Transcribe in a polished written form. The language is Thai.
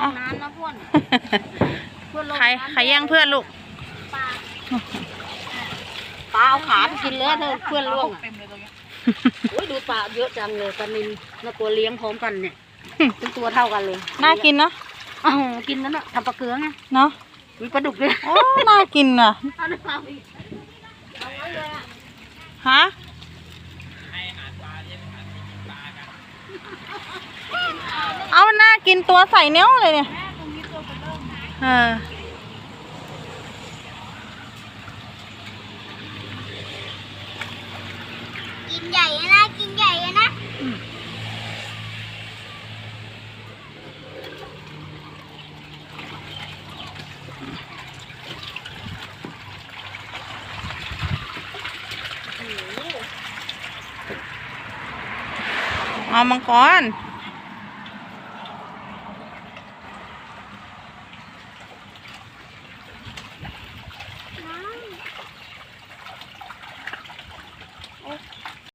เอาน้ำนะเพื่อนใครแย่งเพื่อนลูกปลาเอาขาไปกินเลยเธอเพื่อนล่วงโอ้ยดูปลาเยอะจังเลยปลานิลน่ากลัวเลี้ยงพร้อมกันเนี่ยเป็นตัวเท่ากันเลยน่ากินเนาะอ้าวกินนั่นน่ะทำปลาเกลือไงเนาะมีปลาดุกด้วยโอ้น่ากินอ่ะฮะเอาน่ากินตัวใส่เนี้ยเลยเนี่ยกินใหญ่นะกินใหญ่นะเอามังกร